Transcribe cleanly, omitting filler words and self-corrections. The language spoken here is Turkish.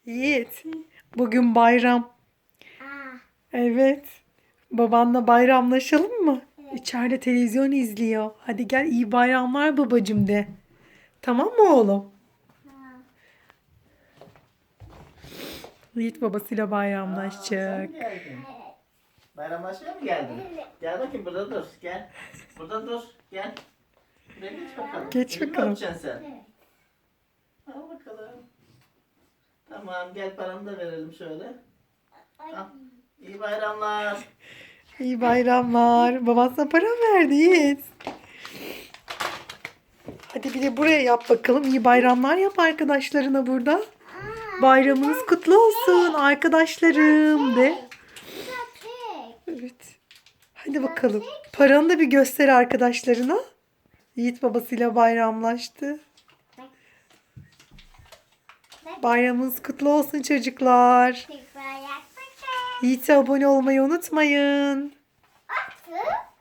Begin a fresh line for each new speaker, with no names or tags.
Yiğit, bugün bayram.
Aa,
Evet. Babanla bayramlaşalım mı?
evet.
İçeride televizyon izliyor. Hadi gel iyi bayramlar babacım de. Tamam mı oğlum?
Ha.
Yiğit babasıyla
Aa, sen mi
bayramlaşacak.
geldin?
Evet.
Bayramlaşmaya mı geldin?
Evet.
Gel bakayım burada dur. Gel. Burada dur. Gel. Buraya geç bakalım.
Geç
Elimi
bakalım.
öpeceksin sen.
Evet.
Al bakalım. Tamam gel paranı da verelim şöyle.
Ay.
Al. İyi bayramlar.
İyi bayramlar. Baban sana para mı verdi Yiğit? Hadi bir de buraya yap bakalım. İyi bayramlar yap arkadaşlarına burada. Bayramınız kutlu olsun arkadaşlarım de. Evet. Hadi bakalım. Paranı da bir göster arkadaşlarına. Yiğit babasıyla bayramlaştı. Bayramınız kutlu olsun çocuklar. Yiğit'e abone olmayı unutmayın.
Atı.